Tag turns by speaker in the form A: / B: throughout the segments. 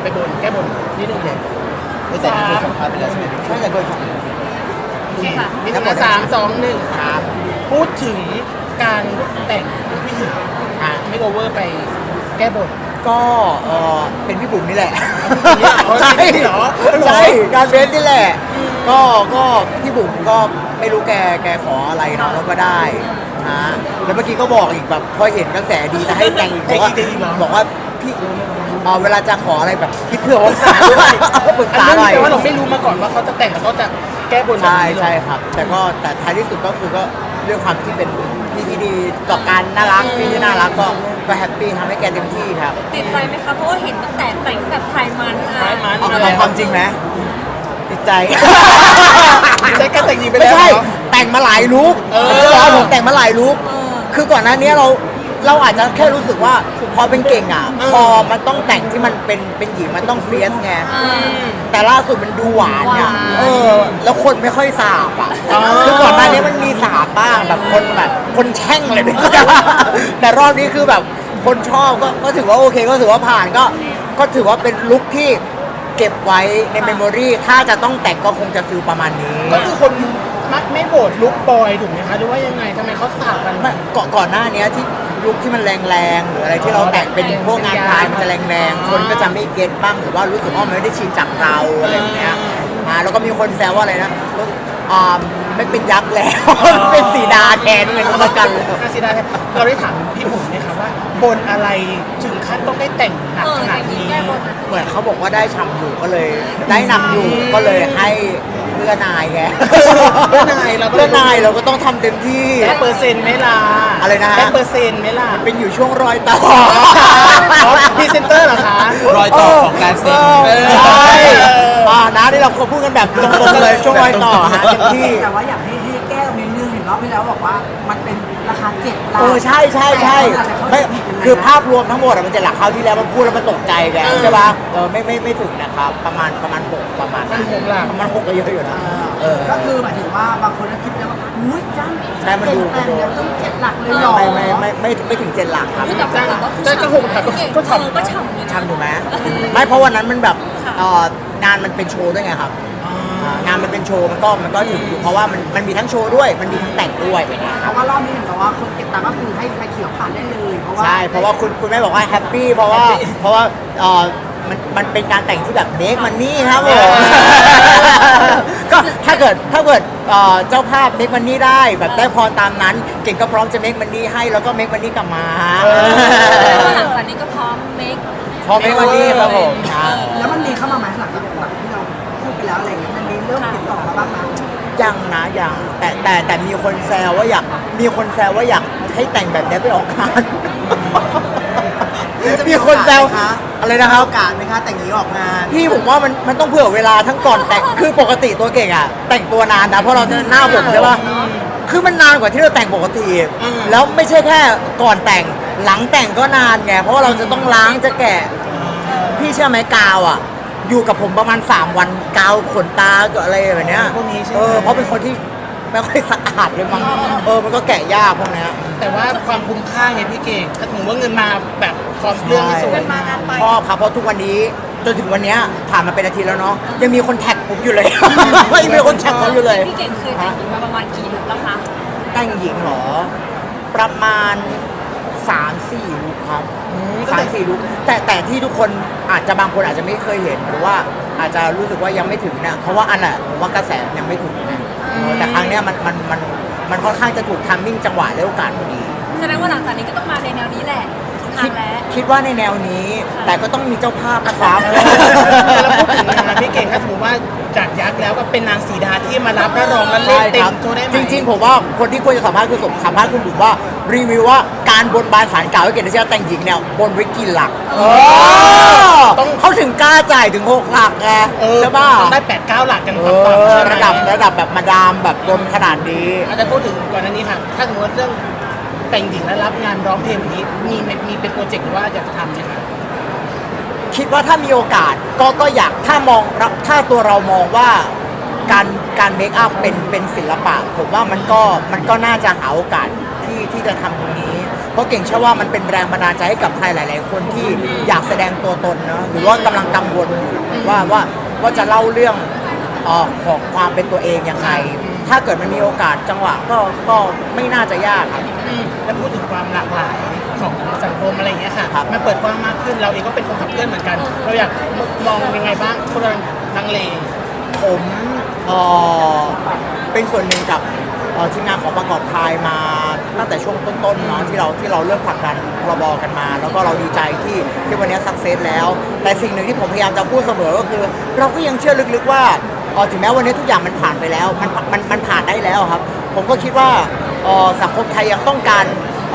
A: ไปบนแก้บนนิดนึงเลย
B: ไม่แต่นี่คือสัมภาษณ์ไปแล้วใช่ไหมใช่แต่เคยฟัง
A: ค่ะมีทั้งหมด3 2 1ครับพูดถึงการแต่งเป็นผู้หญิงไม่โอเวอร์ไปแก้บน
B: ก็เป็นพี่บุ๋มนี่แหละ
A: ใช่เหรอ
B: ใช่การเบสนี่แหละก็พี่บุ๋มก็ไม่รู้แกขออะไรเนาะแล้วก็ได้ฮะแล้วเมื่อกี้ก็บอกอีกแบบพอเห็นกระแสดีจะให้แต่งอีกบอกว่าพี่เวลาจะขออะไรแบบคิดเผื่อว่าปรึกษาหน่อย
A: แต่ว่าเราไม่รู้มาก่อนว่าเขาจะแต่งแล้วก็จะแก้บน
B: ใช่ครับแต่ท้ายที่สุดก็คือก็เรื่องความที่เป็นพี่ที่ดีต่อการน่ารักพี่ที่น่ารักก็แฮปปี้ทำให้แกเต็มที่ครับ
C: ติดใจไหมคะเพราะว่าเห็นตั้งแต่แต่งแบบไทยมัน
B: เอาความจริงไหมติดใจ
A: ใช้การแต่งหญิงไป
B: ไม่
A: แล้ว
B: ใช่
A: เหรอ
B: แต่งมาหลายลุคผมแต่งมาหลายลุคคือก่อนหน้านี้เราอาจจะแค่รู้สึกว่าพอเป็นเก่งอ่ะพอมันต้องแต่งที่มันเป็นหญิงมันต้องเฟียสไงแต่ล่าสุดมันดูหวานเนี่ยแล้วคนไม่ค่อยสาบอ่ะคือก่อนหน้านี้มันมีสาบบ้างแบบคนแช่งเลยเนี่ยแต่รอบนี้คือแบบคนชอบก็ถือว่าโอเคก็ถือว่าผ่านก็ถือว่าเป็นลุคที่เก็บไว้ในเมมโมรีถ้าจะต้องแต่งก็คงจะฟิลประมาณนี้
A: ก็คือคนมักไม่โบดลุกบอยถูกไหมคะหรือว่ายังไงทำไมเขาสาบกัน
B: ก่อนหน้านี้ที่ลุคที่มันแรงๆหรืออะไรที่เราแต่งเป็นพวกงานพายมันจะแรงๆคนก็จะไม่เก็ตบ้างหรือว่ารู้สึกว่ามันไม่ได้ชินจากเราอะไรอย่างเงี้ยแล้วก็มีคนแซวว่าอะไรนะไม่เป็นยักษ์แล้วเป็นสีดาแทนเหมือนกันเลย
A: สีดาแทนเราได้ถามพี่บุ๋มไหมคะว่าบนอะไรถึงขั้นต้องได้แต่งหนักขนาดนี้
B: เหมือนเขาบอกว่าได้ฉ่ำอยู่ก็เลยได้นำอยู่ก็เลยให้เพื่อนายไง
A: เพื่อนาย
B: เราก็ต้องทำเต็มที่
A: ได้เปอร์เซ็นต์ไหมล่ะ
B: อะไรนะ
A: ได้เปอร์เซ็นต์ไหมล่ะ
B: เป็นอยู่ช่วงรอยต่อ
A: พรีเซนเตอร์เหรอคะ
B: รอยต่อของการเซ็นใช่นะที่เราพูดกันแบบตรงๆเลยช่วงรอยต่อฮะเต็มที่
D: แต่ว่าอยากให้แก้ตรงนี้นึงเห็นรอบที่แล้วบอกว่ามันเป็นราคา7 หลัก
B: ใช่ไม่คือภาพรวมทั้งหมดมันจะหลักเขาที่แล้วมันพูดแล้วมันตกใจแกใช่ป่ะไม่ถึงนะครับประมาณ6ประมาณ6ก็เยอะอยู่นะ
D: ก็คือหมายถึงว่าบางคนก็คิดแล้วว่าอุ้ยจัง
B: ใช่มันดู
D: ต้อง7 หลักเลยหรอ
B: ไม่ถึง7 หลักครับ
A: ก็คงก็ท
B: ำถูกไหมไม่เพราะวันนั้นมันแบบงานมันเป็นโชว์ด้วยไงครับงานมันเป็นโชว์มันก็ถึงอยู่เพราะว่ามันมีทั้งโชว์ด้วยมันมีทั้งแต่งด้วยไปเนี่ย
D: เพราะว่ารอบนี้เห็นบอกว่าคนเก็บตังค์ก็คือให้ไฟเขียวผ่านได้เลย
B: ใช่เพราะว่าคุณแม่บอกว่าแฮปปี้เพราะว่ามันเป็นการแต่งที่แบบเมคมันนี่ครับผมก็ถ้าเกิดเจ้าภาพเมคมันนี่ได้แบบได้พรตามนั้นเก่งก็พร้อมจะเมคมันนี่ให้แล้วก็เมคมันนี่กลับมา
C: หลังจากนี้ก็พร้อมเมค
B: มันนี่ครับผม
D: แล้วมันมีเข้ามาไหมหลังจากที่เราพูดไปแล้วอะไรเงี้ยมันมีเริ่มติดต่อมาบ้างไหม
B: ยังแต่มีคนแซวว่าอยากให้แต่งแบบนี้ไปออกงานมีคนแซวอะไรนะครับโอกาสไหมคะแต่งนี้ออกงานพี่ผมว่ามันต้องเผื่อเวลาทั้งก่อนแต่งคือปกติตัวเก่งอ่ะแต่งตัวนานนะเพราะเราจะหน้าผมใช่ป่ะคือมันนานกว่าที่เราแต่งปกติแล้วไม่ใช่แค่ก่อนแต่งหลังแต่งก็นานไงเพราะว่าเราจะต้องล้างจะแกะพี่เชื่อไหมกาวอ่ะอยู่กับผมประมาณ3 วันกาวขนตากับอะไรแบบเนี้ยเพราะเป็นคนที่ไม่ค่อยสะอาดเลยมั้งมันก็แกะยากพวกนี้
A: แต่ว่าความคุ้มค่าไงพี่เก่งถ้าถึงว่าเงินมาแบบความเรื่องสวย
B: ชอบครับเพราะทุกวันนี้จนถึงวันนี้ผ่านมาเป็นอาทิตย์แล้วเนาะยังมีคนแท็กผมอยู่เลยยังมีคนแท็กผมอยู่เลย
C: พี่เก่งเคยแต่งหญิงมาประมาณกี่ลุคแล้วคะ
B: แต่งหญิงเหรอประมาณ3-4 ลุคครับ3-4 ลุคแต่ที่ทุกคนบางคนอาจจะไม่เคยเห็นหรือว่าอาจจะรู้สึกว่ายังไม่ถึงนะเพราะว่าผมว่ากระแสยังไม่ถึงนะแต่ครั้งนี้มันค่อนข้างจะถูกทัมมิ่งจังหวะและโอกาสพอดี
C: แสดงว่าหลังจากนี้ก็ต้องมาในแนวนี้แหละ
B: คิดว่าในแนวนี้แต่ก็ต้องมีเจ้าภาพนะครับ
A: แล้วพูดถึงนะพี่เก่งถ้าสมมติว่าจากยักษ์แล้วก็เป็นนางสีดาที่มารับและรองและเล่นเต็มโชว์ได้ไหม
B: จริงๆผมว่าคนที่ควรจะสัมภาษณ์คือสัมภาษณ์คุณบุ๋มว่ารีวิวว่าการบนบานศาลกล่าวให้เกียรติเชื้อแต่งหญิงเนี่ยบนไว้กี่หลักเขาถึงกล้าจ่ายถึง6 หลักไงใช่ป่ะ
A: ต้องได้8-9 หลักกัน
B: ระดับแบบมาดามแบบบนขนาดนี้
A: อาจจะพูดถึงก่อนหน้านี้ค่ะถ้าสมมติเรื่องแต่งหญิงและรับงานร้องเพลงแบบนี้มีเป็นโปรเจกต์หรือว่าอยากจะทำไหมคะ
B: คิดว่าถ้ามีโอกาสก็อยากถ้าตัวเรามองว่าการเมคอัพเป็นศิลปะผมว่ามันก็น่าจะหาโอกาสที่จะทำตรงนี้เพราะเก่งเชื่อว่ามันเป็นแรงบันดาลใจให้กับใครหลาย ๆ คนที่อยากแสดงตัวตนนะหรือว่ากำลังกังวลอยู่ว่าจะเล่าเรื่องของความเป็นตัวเองยังไงถ้าเกิดมันมีโอกาสจังหวะก็ไม่น่าจะยากครับ
A: แล้วพูดถึงความหลากหลายของสังคมอะไรอย่างเงี้ยค่ะ
B: ครับ
A: มันเปิดกว้างมากขึ้นเราเองก็เป็นคนขับเคลื่อนเหมือนกัน เราอยากมองยังไงบ้างคนลังเล
B: ผมเป็นส่วนหนึ่งกับทีมงานของประกอบคายมาตั้งแต่ช่วงต้นๆเนาะที่เราเริ่มผลักดันพรบกันมา แล้วก็เราดีใจที่วันนี้สักเซสแล้ว แต่สิ่งหนึ่งที่ผมพยายามจะพูดเสมอก็คือ เราก็ยังเชื่อลึกๆว่าถึงแม้วันนี้ทุกอย่างมันผ่านไปแล้วมันผ่านได้แล้วครับ ผมก็คิดว่าสังคมไทยยังต้องการ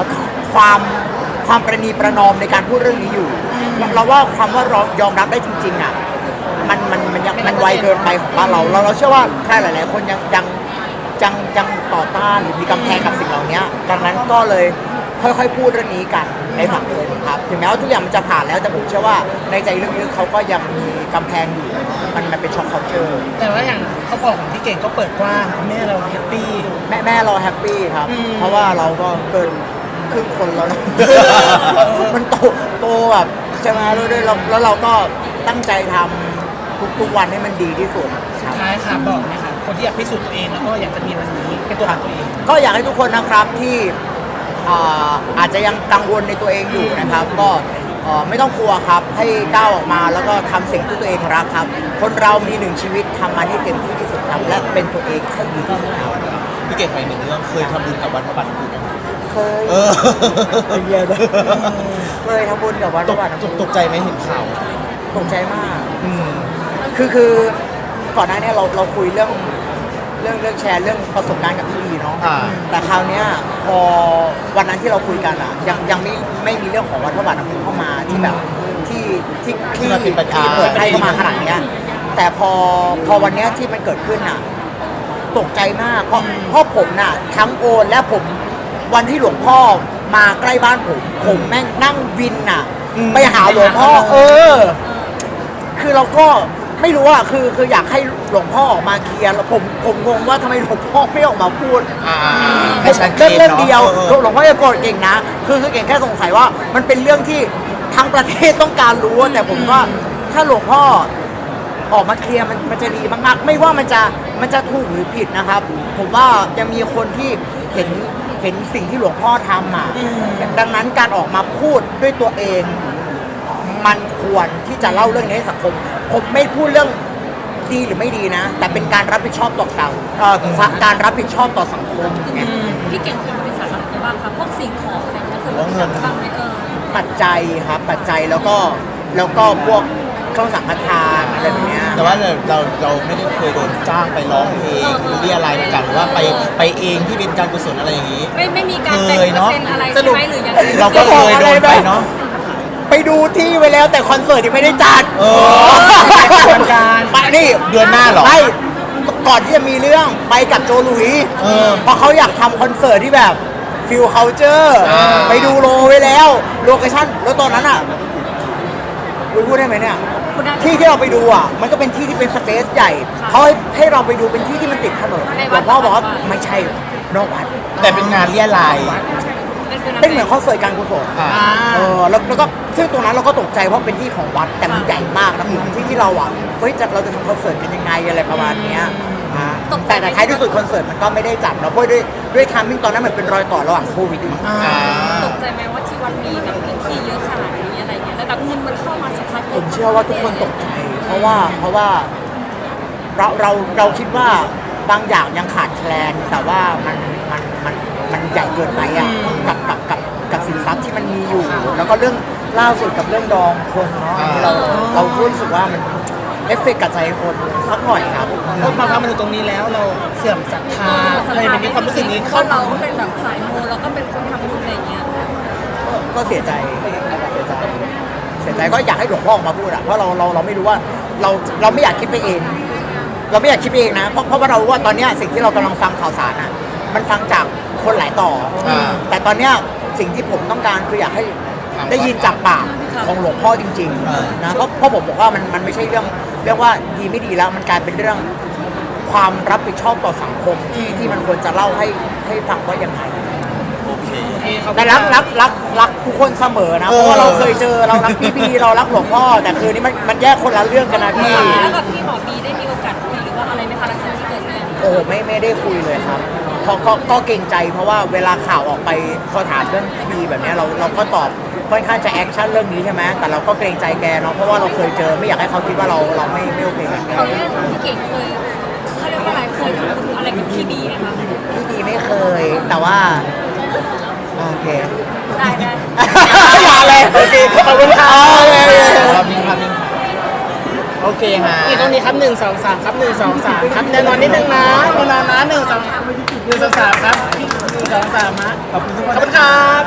B: ความประนีประนอมในการพูดเรื่องนี้อยู่เราว่าความว่ายอมรับได้จริงๆอ่ะมันไวเกินไปของบ้านเราเชื่อว่าใครหลายๆคนยังต่อต้านหรือมีกำแพงกับสิ่งเหล่านี้ดังนั้นก็เลยค่อยๆพูดเรื่องนี้กันในสังคมครับถึงแม้ว่าทุกอย่างมันจะผ่านแล้วแต่ผมเชื่อว่าในใจลึกๆเขาก็ยังมีกำแพงอยู่มันเป็นช็อคเคาน์เตอร์
A: แต่ว่าอย่างครอบครัวของพี่เก่งก็เปิดกว้างคุณแม่เราแฮปปี้
B: แม่เราแฮปปี้ครับ เพราะว่าเราก็เกินครึ่งคนแล้วนะ มันโตแบบใช่ไหมด้วยแล้วเราก็ตั้งใจทำทุกวันให้มันดีที่สุด
A: สุดท้ายค่ะบอกนะคะคนที่อยากพิสูจน์ตัวเองแล้วก็อยากจะมีวันนี้เป็นตัวของตัวเอง
B: ก็อยากให้ทุกคนนะครับที่อาจจะยังกังวลในตัวเองอยู่นะครับ ก็ไม่ต้องกลัวครับให้ก้าวออกมาแล้วก็ทำสิ่งที่ตัวเองรักครับ คนเรามีหนึ่งชีวิตทำมันให้เต็มที่ที่สุดครับและเป็นตัวเองให้ดีที่สุดครับ
E: พี่เก่งไปหนึ่งเรื่องเคยทำบุญกับวัดพระบาทน้ำพุไหม
B: เคย
E: เออ
B: เป็นเยอะเลยเคยทำบุญกับวัดพระบาทน้ำพุ
E: ตกใจไหมเห็นข่าว
B: ตกใจมาก
E: อืม
B: คือก่อนหน้านี้เราคุยเรื่องแชร์เรื่องประสบการณ์กับพี่ลีเนาะ
E: อ่า
B: แต่คราวเนี้ยพอวันนั้นที่เราคุยกันอ่ะยังไม่มีเรื่องของวัดพระบาทน้ำพุเข้ามาที่แบบที่
E: มันเป็นประเด็น
B: เปิดให้เข้ามาขนาดเนี้ยแต่พอวันเนี้ยที่มันเกิดขึ้นอ่ะตกใจมากเพราะผมน่ะทั้งโอนและผมวันที่หลวงพ่อมาใกล้บ้านผมแม่งนั่งวินน่ะไปหาหลวงพ่อคือเราก็ไม่รู้อ่ะคืออยากให้หลวงพ่อออกมาเคลียร์แล้วผมงงว่าทำไมหลวงพ่อไม่ออกมาพูด
E: ให้ชัดเจน
B: เรื่องเดียว
E: เนอะ
B: หลวงพ่อจะโกรธเก่งนะคือเก่งแค่สงสัยว่ามันเป็นเรื่องที่ทั้งประเทศต้องการรู้แต่ผมว่าถ้าหลวงพ่อออกมาเคลียร์มันจะดีมากๆไม่ว่ามันจะถูกหรือผิดนะครับ ผมว่ายังมีคนที่เห็นสิ่งที่หลวงพ่อทำอ่ะดังนั้นการออกมาพูดด้วยตัวเอง มันควรที่จะเล่าเรื่องนี้ให้สังคมผมไม่พูดเรื่องดีหรือไม่ดีนะ แต่เป็นการรับผิดชอบต่อการรับผิดชอบต่อสังคมไง
C: พี่เก่งเคยบริษัทอะไรไปบ้างคะพวกสิ่งของอะไรเงี้ยเคยบริษัทบ้างไหม
B: ปัจจัยครับปัจจัยแล้วก็พวกเครื่องสังฆทานอะไรแบบเนี้ย
E: แต่ว่าเราไม่ได้เคยโดนจ้างไปร้องเพลงหรือเรียอะไรกันหรือว่าไปเองที่เป็นการกุศลอะไรอย่างนี้
C: ไม่มีการแบ่งเปอร์เซ็นต์อะไรใช่ไหมหรือยังไง
E: เราก็เคยโดนไปเนาะ
B: ไปดูที่ไว้แล้วแต่คอนเสิร์ตยังไม่ได้จัด
A: การ
B: ไปนี่
E: เดือนหน้าเหรอ
B: ไม่ก่อนที่จะมีเรื่องไปกับโจหลุยเพราะเขาอยากทำคอนเสิร์ตที่แบบฟิลเคาเจอร์ไปดูโลไว้แล้วโลเคชั่นแล้วตอนนั้นอ่ะพูดได้ไหมเนี่ย
C: คุณได้
B: ที่เราไปดูอ่ะมันก็เป็นที่ที่เป็นสเปซใหญ่เขาให้เราไปดูเป็นที่ที่มันติดถนน
C: ใน
B: หล
C: วั
B: ว
C: ด
B: งพ่อบอกว่าไม่ใช่นอกวัด
E: แต่เป็นงานเรียลาย
B: เป็นเหมือนคอนเสิร์ตการกุศล
E: อ่า
B: แล้วก็ซึ่งตรงนั้นเราก็ตกใจเพราะเป็นที่ของวัดแต่มันใหญ่มากนะที่เราอ่ะเฮ้ยเราจะทำคอนเสิร์ตกันยังไงอะไรประมาณเนี้ยแต่ท้ายที่สุดคอนเสิร์ตมันก็ไม่ได้จัดเนาะเพราะด้วยทามมิ่งตอนนั้นมันเป็นรอยต่อระหว่างโควิดอีก
C: ตกใจไหมว่าที่วัดมีแบบพื้นที่เยอะขนาดนี้อะไรเงี้ยแล้วแบบเงินมันเข้ามาสักพัก
B: ผมเชื่อว่าทุกคนตกใจ เพราะว่าเราคิดว่าบางอย่างยังขาดแคลน แต่ว่ามันใหญ่เกินไปอ่ะกับสินทรัพย์ที่มันมีอยู่ แล้วก็เรื่องล่าสุดกับเรื่องดองคนเนาะที่เรารู้สึกว่ามันเอฟเฟกต์กับใจคนสักหน่อยครับ
A: พอมาทำมาถึงตรงนี้แล้วเราเสื่อมศรัทธาอะไรแบบนี้ความรู้สึกนี้
C: เพราะเราก็เป็นแบบสายมูเราก็เป็นคนทำบุญอะไรเงี้ย
B: ก็เสียใจก็อยากให้หลวงพ่อออกมาพูดอะเพราะเราไม่รู้ว่าเราไม่อยากคิดไปเอง เราไม่อยากคิดไปเองนะเพราะว่าเรารู้ว่าตอนเนี้ยสิ่งที่เรากำลังฟังข่าวสารอะมันฟังจากคนหลายต่อแต่ตอนเนี้ยสิ่งที่ผมต้องการคืออยากให้ได้ยินจากปากของหลวงพ่อจริงๆนะเพราะผมบอกว่ามันไม่ใช่เรื่องว่าดีไม่ดีแล้วมันกลายเป็นเรื่องความรับผิดชอบต่อสังคมที่มันควรจะเล่าให้ฟังว่ายังไง
C: พ
B: แต่รักทุกคนเสมอนะเพราะว่าเราเคยเจอเรารักพี่บีเรารักหลวงพ่อแต่คือนี่มันแยกคนละเรื่องกันนะพี่
C: แล้วกับพี่หมอบีได้มีโอกาสคุยหรือว่าอะไรไหมคะหลังจากที่เกิดเรื่อง
B: โอ้ไม่ได้คุยเลยครับก็เกรงใจเพราะว่าเวลาข่าวออกไปเขาถามเรื่องพี่บีแบบเนี้ยเราก็ตอบค่อนข้างจะแอคชั่นเรื่องนี้ใช่ไหมแต่เราก็เกรงใจแกเนาะเพราะว่าเราเคยเจอไม่อยากให้เขาคิดว่าเราไม่โอเคกับแก
C: เขาเรียกพี่เก่งเคยเขาเรียกว่าอะไรเคยทำบุญอะไรกับพี่บีไหมคะ
B: พี่บีไม่เคยแต่ว่าโอเค
C: ได้
B: อย่าเลยโอเคขอบคุณครับ
E: ภาพนิ่งภาพนิ่งโอเคฮะ
A: นี่ตรงนี้ครับ1 2 3ครับ1 2 3ครับแน่นอนนิดนึงนะแน่นอนนะ1 2 1 2 3ครับ1 2 3นะขอบคุณครับ